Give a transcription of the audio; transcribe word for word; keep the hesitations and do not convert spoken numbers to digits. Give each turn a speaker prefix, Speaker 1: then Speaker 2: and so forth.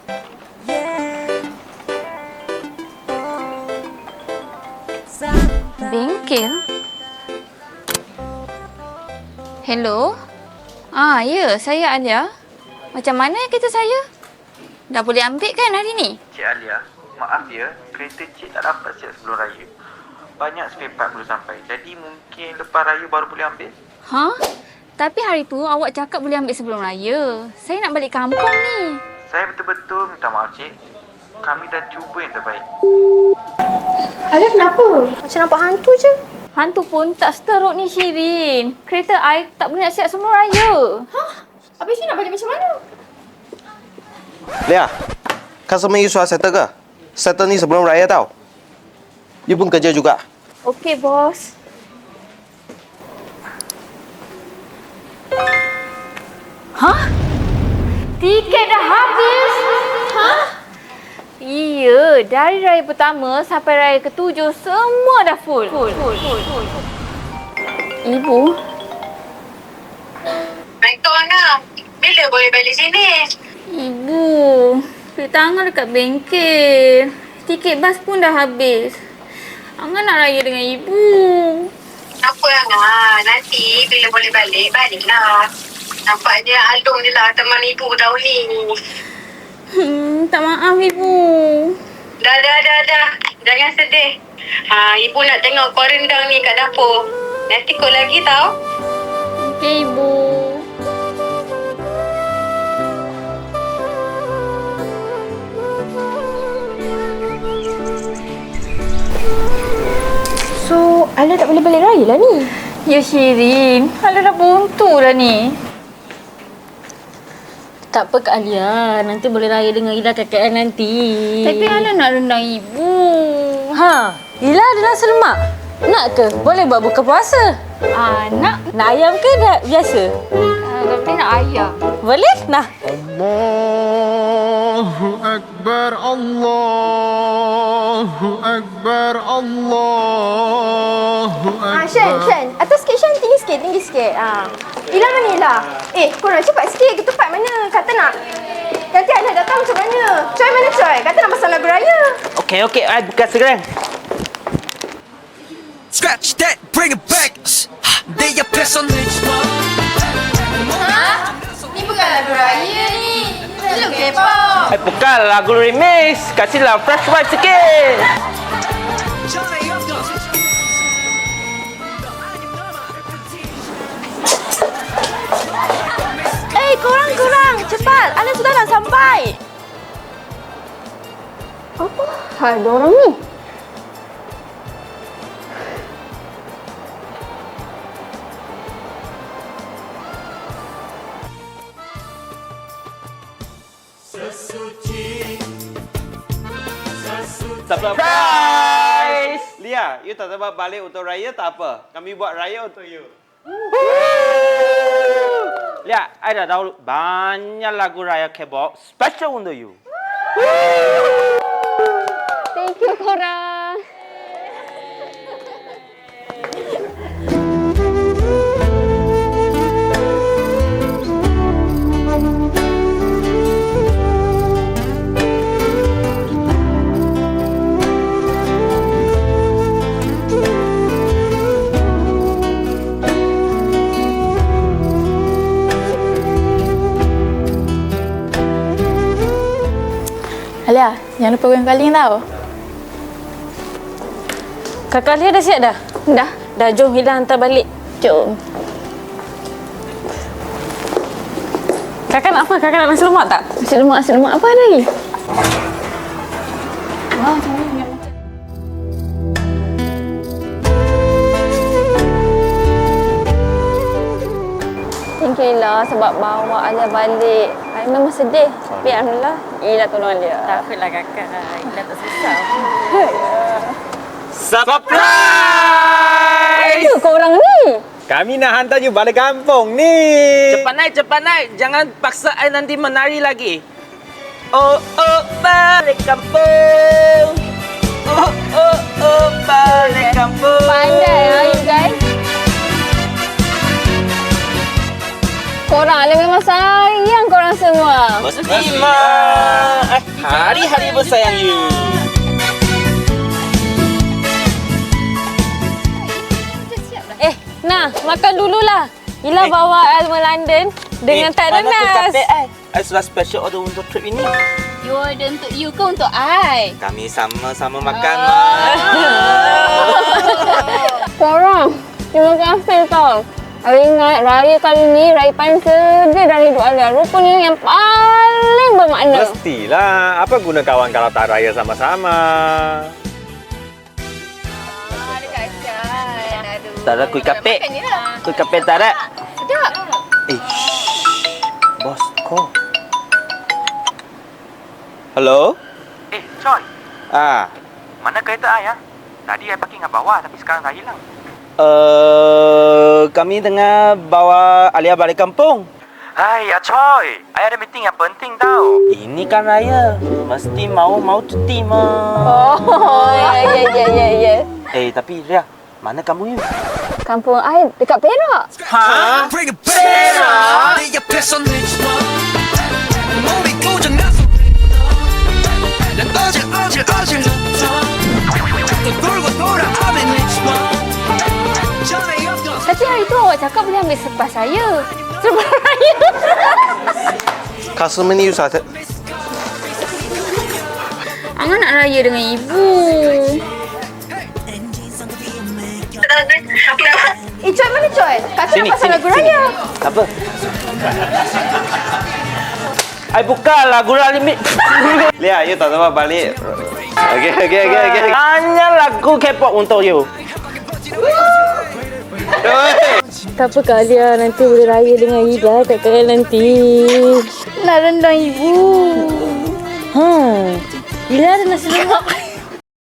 Speaker 1: Bengkel? Hello? Ah, ya, saya Alia. Macam mana kereta saya? Dah boleh ambil kan hari ni?
Speaker 2: Cik Alia, maaf ya, kereta cik tak dapat siap sebelum raya. Banyak spare part belum sampai, jadi mungkin lepas raya baru boleh ambil.
Speaker 1: Ha? Tapi hari tu awak cakap boleh ambil sebelum raya. Saya nak balik kampung ni.
Speaker 2: Saya betul-betul minta maaf cik. Kami dah cuba yang terbaik.
Speaker 3: Alia kenapa? Macam nampak hantu je.
Speaker 1: Hantu pun tak seteruk ni Shirin. Kereta I tak boleh nak siap sebelum raya.
Speaker 3: Hah? Habis ni nak balik macam mana?
Speaker 4: Lia, customer you sudah settle ke? Settle ni sebelum raya tau. You pun kerja juga.
Speaker 1: Okey, bos. Hah? Tiket dah habis? Hah? Iya, dari raya pertama sampai raya ketujuh semua dah full. Full, full, full, full. Ibu?
Speaker 5: Assalamualaikum Angah. Bila boleh balik sini?
Speaker 1: Ibu, duit tangan dekat bengkel. Tiket bas pun dah habis. Angah nak raya dengan ibu.
Speaker 5: Apa Angah? Nanti bila boleh balik, baliklah. Nampaknya Alung je lah teman ibu tahun ni.
Speaker 1: Hmm, tak maaf ibu.
Speaker 5: Dah, dah, dah, dah. Jangan sedih. Ha, ibu nak tengok kuah rendang ni kat dapur. Nanti kau lagi tau.
Speaker 1: Okey, ibu.
Speaker 3: So, Alia tak boleh balik raya lah ni?
Speaker 1: Ya Shirin, Alia dah buntu dah ni.
Speaker 6: Tak apa Kak Alia, nanti boleh raya dengan Ila kakak nanti.
Speaker 1: Tapi Alia nak rendang ibu.
Speaker 6: Ha, Ila ada nasi lemak. Nak ke? Boleh buat buka puasa.
Speaker 1: Ah, nak?
Speaker 6: Nak ayam ke dah biasa?
Speaker 1: Ah, tapi nak ayam.
Speaker 6: Boleh? Nah.
Speaker 7: Allahu Akbar, Allahu Akbar, Allahu Akbar.
Speaker 3: Ah, Shen, Shen. Atas sikit, Shen. Tinggi sikit, tinggi sikit. Ah. Ila mana Ila? Eh, korang cepat sikit. Ketupat mana? Kata nak. Nanti Alia datang macam mana? Coy mana Coy? Kata nak pasang lagu raya.
Speaker 4: Okey, okey. I buka sekarang.
Speaker 8: Scratch that, bring it back. 내 옆에서
Speaker 1: Ha? Ni bukan lagu raya ni. Ni lagu K-pop.
Speaker 4: Eh, bukan lagu remix. Kasihlah fresh vibe sikit.
Speaker 3: Eh, korang, korang. Cepat. Alia sudah nak sampai. Apa hal diorang ni?
Speaker 4: Surprise! Lia, you tak dapat balik untuk raya tak apa. Kami buat raya untuk you. Lia, I dah tahu banyak lagu raya K-pop special untuk you.
Speaker 3: Thank you korang.
Speaker 1: Alia, jangan lupa goyang kaling tau.
Speaker 6: Kakak Alia dah siap dah?
Speaker 1: Dah.
Speaker 6: Dah, jom Ila hantar balik.
Speaker 1: Jom.
Speaker 6: Kakak nak apa? Kakak nak nasi lemak tak?
Speaker 1: Nasi lemak, nasi lemak apa lagi? Wah, macam ni. Thank you Ila sebab bawa Alia balik. I memang sedih. Tapi alhamdulillah, Ila tolong Alia.
Speaker 6: Tak apalah kakak. Ila tak susah.
Speaker 4: Surprise!
Speaker 1: Apa korang ni?
Speaker 4: Kami nak hantar you balik kampung ni.
Speaker 9: Cepat naik, cepat naik. Jangan paksa I nanti menari lagi. Oh, oh, balik kampung. Oh, oh, oh, balik kampung.
Speaker 1: Pandai lah you guys. Korang Alia memang sayang korang semua.
Speaker 9: Bos Ima. Eh, Hari-hari bersayang you.
Speaker 6: Eh, nah, makan dululah. Ila
Speaker 9: Eh.
Speaker 6: bawa Alma London dengan tak ada
Speaker 9: mana
Speaker 6: nas.
Speaker 9: kuih kapek ai? I sudah special order untuk trip ini.
Speaker 1: You order untuk you ke untuk I?
Speaker 9: Kami sama-sama makan, Mak.
Speaker 6: Korang, terima kasih tau. Saya ingat raya kali ni, raya paling sedih dari hidup Alia. Rupanya yang paling bermakna.
Speaker 10: Mestilah. Apa guna kawan kalau tak raya sama-sama?
Speaker 1: Ada kacang. Aduh.
Speaker 9: Tak ada kuih kapek.
Speaker 1: Makan je lah.
Speaker 9: Kuih kapek tak ada.
Speaker 1: Sedap.
Speaker 9: Eh, shh. Bos, call. Hello?
Speaker 2: Eh, Choi.
Speaker 9: Ah,
Speaker 2: Mana kereta I, ya? Tadi I parking kat bawah tapi sekarang dah hilang.
Speaker 9: uh, kami tengah bawa Alia balik kampung.
Speaker 2: Hai, ya Choi. I ada meeting yang penting tau.
Speaker 9: Ini kan raya. Mesti mau-mau cuti, Mak.
Speaker 6: Oh, ya, ya, ya, ya, ya.
Speaker 9: Eh, tapi Ria, mana kamu you?
Speaker 6: Kampung I dekat Perak.
Speaker 9: Ha?
Speaker 8: Bring it back. 내 옆에서 내 몸이 고장났어. 난 어질 어질 어질 또 돌고 돌아 I'm in it. 전에 없던
Speaker 1: Tapi hari tu awak cakap boleh ambil sepas saya. Sebelum raya.
Speaker 4: Customer ni susah. Set-
Speaker 1: Angah nak raya dengan ibu.
Speaker 3: Eh, Coy mana Coy? Kata nak
Speaker 9: Sini,
Speaker 3: pasal
Speaker 9: sini,
Speaker 3: lagu
Speaker 9: sini.
Speaker 3: raya.
Speaker 9: Apa? I buka lagu limit.
Speaker 4: Lia, you tak dapat balik. Okey, okey, okey, okey.
Speaker 9: Hanya lagu K-pop untuk you.
Speaker 6: Tak apa Kak Alia, nanti boleh raya dengan Ila tak kaya nanti.
Speaker 1: Nak rendang ibu.
Speaker 6: Ha, Ila ada nasi lemak.